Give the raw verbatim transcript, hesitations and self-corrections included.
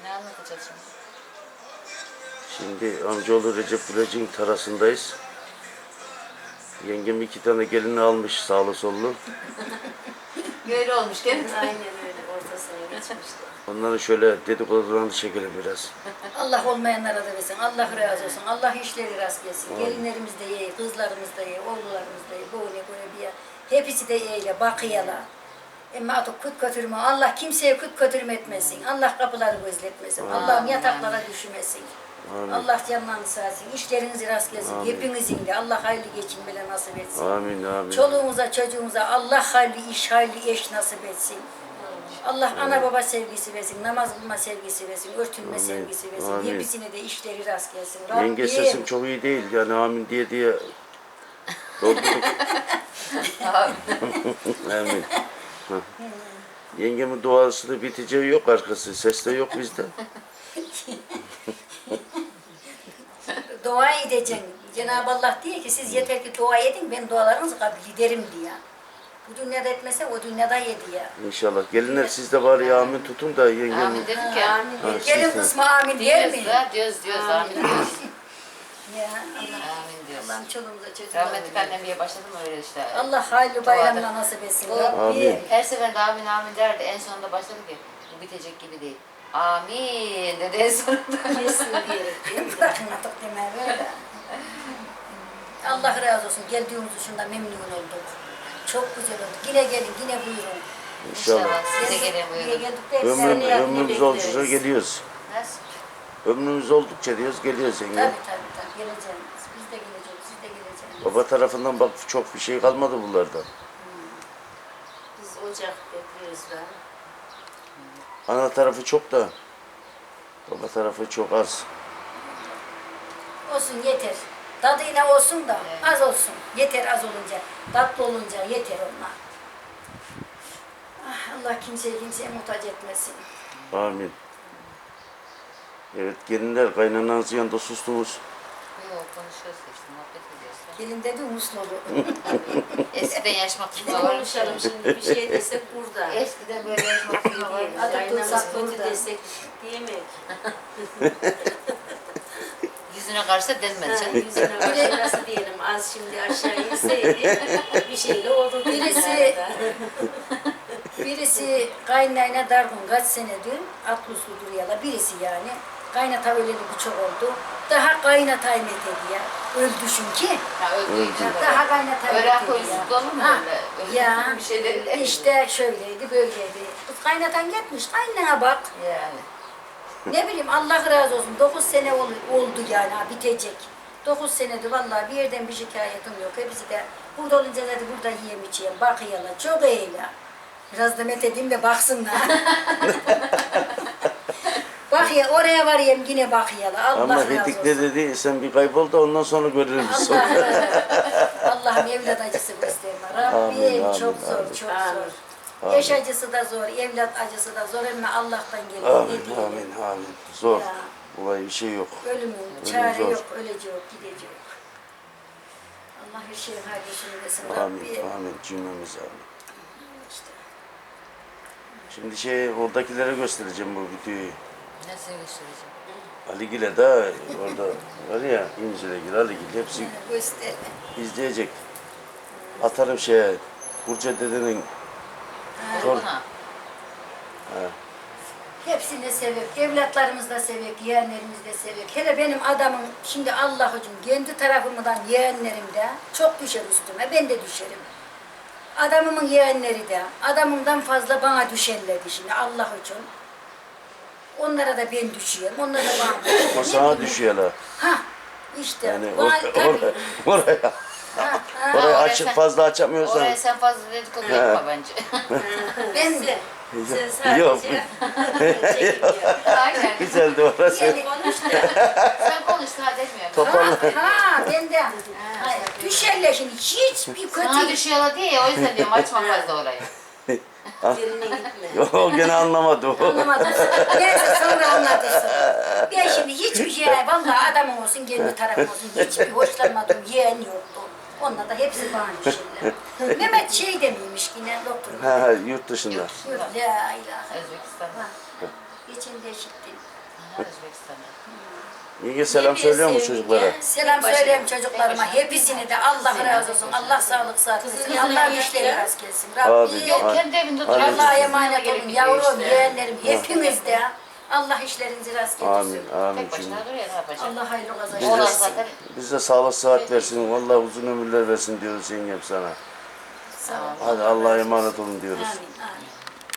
Ne anlatacağız şimdi? Şimdi amcaoğlu Recep Gülec'in tarasındayız. Yengem iki tane gelini almış sağlı sollu. Böyle olmuş değil mi? Aynen öyle ortasına geçmişti. Onları şöyle dedikodularını çekelim biraz. Allah olmayanlara da versin. Allah razı olsun. Allah işleri rast gelsin. Gelinlerimiz de iyi, kızlarımız da iyi, oğullarımız da iyi. Böyle böyle bir yer. Hepsi de iyiyle, bakıyalar. Ama artık kut götürme. Allah kimseye kut götürme etmesin. Allah kapıları gözletmesin. Allah'ım yataklara düşmesin. Amin. Allah canlarını sağsın. İşlerinizi rast gelsin. Amin. Hepinizin de Allah hayırlı geçinmeler nasip etsin. Amin amin. Çoluğumuza, çocuğumuza Allah hayırlı iş, hayırlı eş nasip etsin. Allah ana baba sevgisi versin, namaz kılma sevgisi versin, örtünme Amin. sevgisi versin. Amin. Hepsine de işleri rast gelsin. Yenge Rabbim. sesim çok iyi değil yani amin diye diye doldurduk. Amin. Hah. Yengemin duası da biteceği yok arkası. Ses de yok bizde. Dua edeceksin. Cenab-ı Allah diyor ki siz yeter ki dua edin, ben dualarınızı kabul ederim diyor. Bu dünyada etmese o dünyada yedi ya. İnşallah. Gelinler siz de bari amin tutun da yengem. Amin dedik ya. Amin. Ha, Gelin siz de. kısmı amin der mi? Diyoruz da diyoruz diyoruz. Amin diyoruz. Ya Allah. Amin diyoruz. Allah'ım çoluğumuza çocuğumuza. Rahmetli annem diye başladım öyle işte. Allah hayırlı bayramla nasip etsin. O- Rabbim. Amin. Her seferinde amin amin derdi. En sonunda başladı ki bu bitecek gibi değil. Amin dedi en sonunda. Yesin diyerek değil mi? Bırakın artık demeye böyle. Allah razı olsun. Geldiğimiz için de memnun olduk. Çok güzel oldu. Yine gelin, yine buyurun. İnşallah. Siz de gelin Niye buyurun. geldik de Ömrüm, hepsini yapmayı ömrümüz bekleriz. oldukça geliyoruz. Nasıl? Ömrümüz oldukça diyoruz geliyoruz yenge. Tabii tabii tabii. Geleceğiz. Biz de geleceğiz. Siz de geleceksiniz. Baba tarafından bak çok bir şey kalmadı bunlardan. Biz ocak bekliyoruz da. Ana tarafı çok da baba tarafı çok az. Olsun yeter. Tadıyla olsun da Evet. az olsun. Yeter az olunca. Tatlı olunca yeter onlar. Ah, Allah kimseye kimseye muhtaç etmesin. Amin. Evet gelinler kaynananızın yanında sustunuz. Yok konuşuyoruz işte muhabbet ediyoruz. Gelin dedi Muslu'lu. Eskiden yaş makinesi Ne var. konuşalım şimdi bir şey desek burada. Eskiden böyle yaş makinesi var. Diyelim. Adı Kaynamız tutsak kötü burada. desek diyemek. Yüzüne karşı da denmedi Ha, canım. yüzüne başka nasıl diyelim az şimdi aşağı inseydi bir şeyle olurdu. Birisi birisi kaynayına dargın kaç senedir atlı su duruyorlar. Birisi yani kaynata öleli bir çok oldu. Daha kaynatayım etedi ya. Öldü çünkü. Ha öldüğü için böyle. Daha kaynatayım Öyle etedi koyusuzlu olur mu Ha, öyle? Öyle Ya bir şeyleri. işte şöyleydi böyleydi. Kız kaynatan gitmiş kaynana bak. Yani. Ne bileyim Allah razı olsun. Dokuz sene ol- oldu yani ha, bitecek. Dokuz senedir vallahi bir yerden bir şikayetim yok. Hepsi de burada olunca dedi burada yiyem içeyim. Bakıyorlar. Çok iyiler. Biraz da met edeyim de baksınlar. Bak ya oraya varayım yine bakıyorlar. Allah Ama razı Hedik olsun. ne dedi sen bir kaybol da ondan sonra görürüz biz Allah sonra. razı olsun. Allah'ım evlat acısı gösterme. Rabbim Amin, amin, çok zor, amin. çok Amin. zor. Amin. Yaş acısı da zor, evlat acısı da zor ama Allah'tan geliyor. Amin Ne diyelim? amin amin. Zor. Ya. Olay bir şey yok. Ölümün Ölüm çare zor. yok, öleceği yok, gideceği yok. Allah her şeyin hayırlısını versin. Amin Rabbim. amin cümlemiz amin. İşte. Şimdi şey oradakilere göstereceğim bu videoyu. Nasıl göstereceğim? Aligil'e de orada var ya İmzilegil, Aligil hepsi Göster. izleyecek. Atarım şeye Burcu dedenin Zor. Buna. Hepsini sevek, evlatlarımız da sevek, yeğenlerimiz de sevek. Hele benim adamım, şimdi Allah için kendi tarafımdan yeğenlerim de çok düşer üstüme, ben de düşerim. Adamımın yeğenleri de, adamımdan fazla bana düşerlerdi şimdi Allah için. Onlara da ben düşüyorum, onlar da bana düşüyor. o Ne sana bileyim. düşüyor la. Ha, işte. Yani bana- or- tabii. or- oraya Ha, ha. orayı oraya açıp sen- fazla açamıyorsan. Oraya sen fazla dedikodu yapma bence. Ben de. Sen sadece Yok. çekiliyor. Aynen. Güzeldi orası. Yani, Konuş da. Sen konuş daha demiyorum. Toparla. ha, ha, ben de. Hayır, düşerler şimdi hiçbir Sana kötü. düşüyorlar diye ya o yüzden diyorum açma fazla orayı. Birine gitme. O gene anlamadı o. Anlamadın. Neyse sonra anlatırsın. Ben şimdi hiçbir şey, vallahi adamım olsun, kendi tarafım olsun, hiçbir hoşlanmadığım yeğen yoktu. Onlar da hepsi bana düşerler. Mehmet şey demiymiş yine doktor. Ha, ha, yurt dışında. Yok, la ilahe. Özbekistan. Ha, geçen de işittim. sana. Yenge selam Hepiniz söylüyor mu sevin çocuklara? ya. Selam Başına. söyleyeyim çocuklarıma. Hepsini de Allah razı olsun. Allah sağlık sıhhat versin. Kızınız Allah ne işleri yaptı? rast gelsin. Abi, Rabbim. Yok Ay- kendi evinde Ay- duruyor. Allah'a Ay- emanet Gelip olun gidiyor yavrum, işte. yeğenlerim hepiniz de. Allah işlerinizi rast getirsin. Amin, amin Tek cümle. başına duruyor ne yapacak? Allah hayırlı Biz kazançlar Oğlan de, versin. zaten biz de sağlık sıhhat versin. Vallahi uzun ömürler versin diyoruz yengem sana. Sağ olun. Hadi Allah'a emanet olun diyoruz. Amin, amin.